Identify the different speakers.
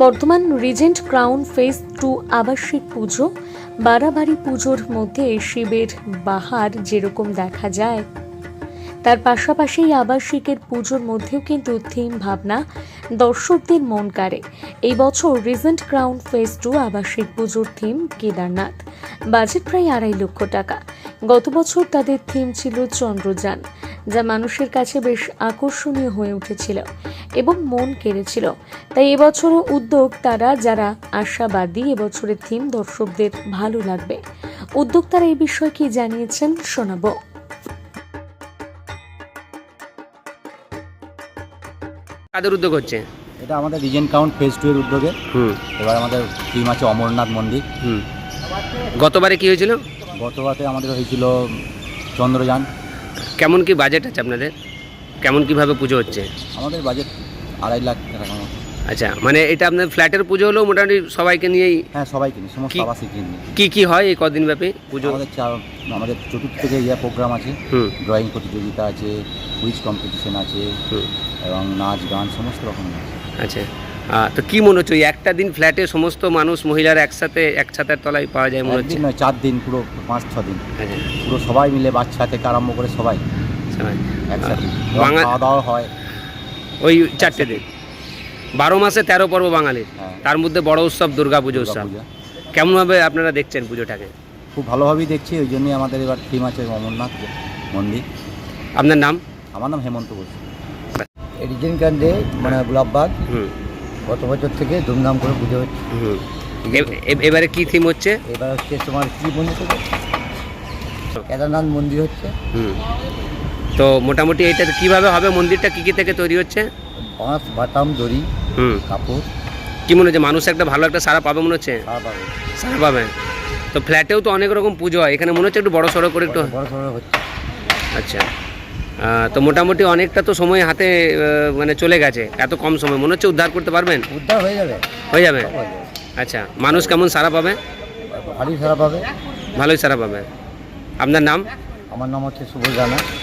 Speaker 1: বর্তমান Regent crown phase 2 আবাসিক পুজো বাড়াবাড়ি পুজোর মধ্যে শিবের বাহার যেরকম দেখা যায়, তার পাশাপাশি আবাসিকের পুজোর মধ্যেও কিন্তু থিম ভাবনা দর্শকদের মন কাড়ে। এই বছর রিজেন্ট ক্রাউন ফেজ 2 আবাসিক পুজোর থিম কেদারনাথ, বাজেট প্রায় 2.5 লক্ষ টাকা। গত বছর তাদের থিম ছিল চন্দ্রযান, যা মানুষের কাছে বেশ আকর্ষণীয় হয়ে উঠেছিল এবং মন কেড়েছিল। তাই এবছরও উদ্যোগ তারা যারা আশাবাদী এবছরের থিম দর্শকদের ভালো লাগবে। উদ্যোক্তারা এই বিষয়ে কি জানিয়েছেন শোনাবো।
Speaker 2: কাদের উদ্যোগ হচ্ছে
Speaker 3: এটা? আমাদের রিজেন্ট কাউন্ট ফেজ 2 এর উদ্যোগে। এবার আমাদের থিম আছে অমরনাথ মন্দির।
Speaker 2: গতবারে কি হয়েছিল?
Speaker 3: গতবারে আমাদের হয়েছিল চন্দ্রযান।
Speaker 2: কেমন কি বাজেট আছে আপনাদের? কেমন কিভাবে পুজো হচ্ছে?
Speaker 3: আমাদের বাজেট 2.5 লাখ টাকা মতো।
Speaker 2: আচ্ছা, মানে এটা আপনাদের ফ্ল্যাটের পুজো হলেও মোটামুটি সবাইকে নিয়েই?
Speaker 3: হ্যাঁ, সবাইকে নিয়ে, সমস্ত আবাসিক নিয়ে।
Speaker 2: কি হয় এই কদিন ব্যাপী পুজো?
Speaker 3: আমাদের চতুর্থ থেকে প্রোগ্রাম আছে, ড্রয়িং প্রতিযোগিতা আছে, কুইজ কম্পিটিশন আছে এবং নাচ গান সমস্ত রকম আছে।
Speaker 2: আচ্ছা, তো কি মনে হচ্ছে ওই একটা দিন ফ্ল্যাটে সমস্ত মানুষ মহিলারা একসাথে এক ছাতার তলায় পাওয়া যায় মনে হচ্ছে?
Speaker 3: নয়, 4 দিন, পুরো 5-6 দিন।
Speaker 2: আচ্ছা,
Speaker 3: পুরো সবাই মিলে, বাচ্চা থেকে আরম্ভ করে সবাই একসাথে খাওয়া দাওয়া হয়
Speaker 2: ওই 4টে দিন। 12 মাসে 13 পর্ব বাঙালির, তার মধ্যে বড় উৎসব দুর্গা পুজো উৎসব। কেমনভাবে আপনারা দেখছেন পুজোটাকে?
Speaker 3: খুব ভালোভাবেই দেখছি, ওই জন্যই আমাদের এবার থিম আছে অমরনাথ মন্দির।
Speaker 2: আপনার নাম?
Speaker 3: আমার নাম হেমন্ত ঘোষ।
Speaker 4: রিজেন্ট কান্ডে মানে গোলাপবাগ গত বছর থেকে ধুমধাম করে পুজো হচ্ছে।
Speaker 2: এবারে কি থিম হচ্ছে?
Speaker 4: এবার হচ্ছে তোমার কি মন্দির থেকে কেদারনাথ মন্দির হচ্ছে।
Speaker 2: তো মোটামুটি এটা কিভাবে হবে? মন্দিরটা কি কি থেকে তৈরি হচ্ছে?
Speaker 4: বাঁশ, বাটাম, দড়ি, কাপড়।
Speaker 2: কি মনে হচ্ছে মানুষ একটা ভালো একটা সাড়া পাবে মনে হচ্ছে? সাড়া পাবে। তো ফ্ল্যাটেও তো অনেক রকম পুজো হয়, এখানে মনে হচ্ছে একটু বড় সড়ো করে একটু
Speaker 4: বড় সড়ো হচ্ছে।
Speaker 2: আচ্ছা, তো মোটামুটি অনেকটা তো সময় হাতে মানে চলে গেছে, এত কম সময় মনে হচ্ছে উদ্ধার করতে পারবেন?
Speaker 4: উদ্ধার হয়ে যাবে।
Speaker 2: হয়ে যাবে। আচ্ছা, মানুষ কেমন সাড়া পাবে?
Speaker 4: ভালোই সারা পাবে।
Speaker 2: ভালোই সাড়া পাবে। আপনার নাম?
Speaker 4: আমার নাম হচ্ছে সুবল রানা।